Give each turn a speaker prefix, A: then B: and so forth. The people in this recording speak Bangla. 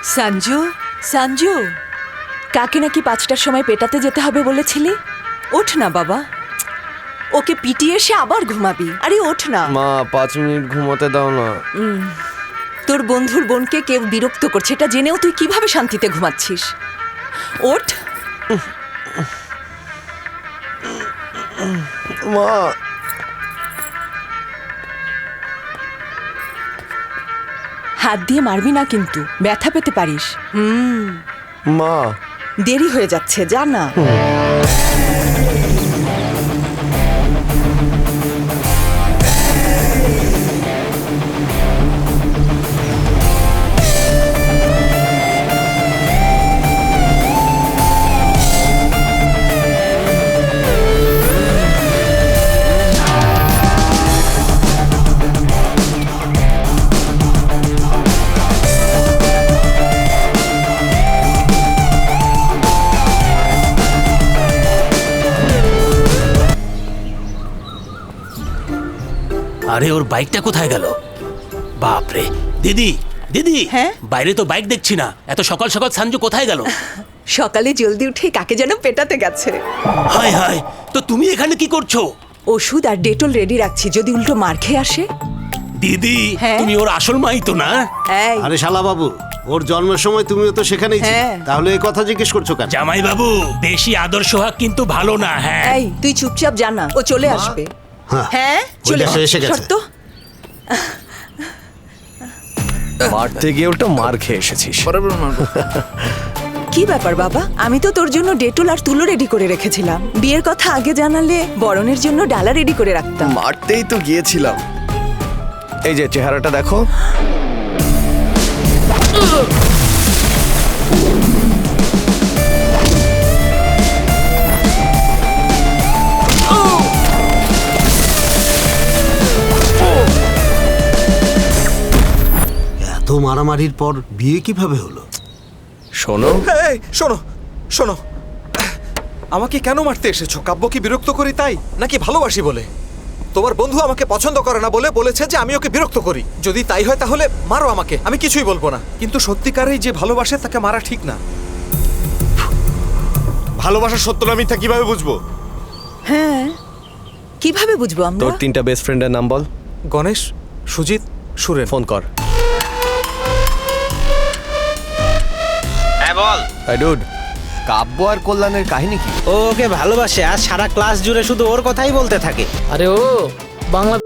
A: সঞ্জু, সঞ্জু, কাকে নাকি ৫টার সময় পেটাতে যেতে হবে বলেছিলি? ওঠ না বাবা, ওকে পিটিয়ে এসে আবার ঘুমাবি। আরে ওঠ না
B: মা, 5 মিনিট ঘুমোতে দাও না।
A: তোর বন্ধুর বোনকে কেউ বিরক্ত করছে, এটা জেনেও তুই কিভাবে শান্তিতে ঘুমাচ্ছিস? ওঠ।
B: মা,
A: হাত দিয়ে মারবি না কিন্তু, ব্যথা পেতে পারিস।
B: মা,
A: দেরি হয়ে যাচ্ছে, যা না।
C: আরে ওর বাইকটা কোথায় গেল? বাপরে, দিদি দিদি,
A: হ্যাঁ?
C: বাইরে তো বাইক দেখছি না। এত সকাল সকাল সঞ্জু কোথায় গেল?
A: সকালে জলদি উঠে কাকে যেন পেটাতে গেছে।
C: হায় হায়, তো তুমি এখানে কি করছো?
A: ওষুধ আর ডেটল রেডি রাখছি, যদি উল্টো মার খেয়ে আসে।
C: দিদি,
A: হ্যাঁ?
C: তুমি ওর আসল মাই তো না?
A: এই,
D: আরে শালা বাবু, ওর জন্মের সময় তুমিও তো সেখানেই ছিলে,
A: হ্যাঁ।
D: তাহলে এই কথা জিজ্ঞেস করছো কেন?
C: জামাই বাবু, বেশি আদর সোহাগ কিন্তু ভালো না। হ্যাঁ,
A: এই তুই চুপচাপ জানা, ও চলে আসবে।
D: হ্যাঁ,
A: হ্যাঁ, চলে
D: দেখো, এসে গেছে।
A: শর্ত।
B: মারতে গিয়ে ওটা মার খেয়ে এসেছিস।
A: কি ব্যাপার বাবা, আমি তো তোর জন্য ডেটল আর তুলো রেডি করে রেখেছিলাম। বিয়ের কথা আগে জানালে বরণের জন্য ডালা রেডি করে রাখতাম।
B: মারতেই তো গিয়েছিলাম। এই যে চেহারাটা দেখো।
D: এত মারামারির পর বিয়ে কিভাবে হলো?
B: শোনো,
E: এই শোনো শোনো, আমাকে কেন মারতে এসেছো? কাব্যকে বিরক্ত করি তাই, নাকি ভালোবাসি বলে? তোমার বন্ধু আমাকে পছন্দ করে না বলে বলেছে যে আমি ওকে বিরক্ত করি। যদি তাই হয় তাহলে মারো আমাকে, আমি কিছুই বলবো না। কিন্তু সত্যিকারেই যে ভালোবাসে তাকে মারা ঠিক না।
F: ভালোবাসার সত্য না মিথ্যা কিভাবে বুঝবো?
A: হ্যাঁ, কিভাবে বুঝবো আমরা?
B: তোর 3টা বেস্ট ফ্রেন্ডের নাম বল।
E: গণেশ, সুজিত, সুরেন।
B: ফোন কর।
G: হ্যাঁ বল।
B: আই ডুড, কাব্য আর কল্যাণের কাহিনী কি?
G: ও ওকে ভালোবাসে আর সারা ক্লাস জুড়ে শুধু ওর কথাই বলতে থাকে।
H: আরে ও বাংলা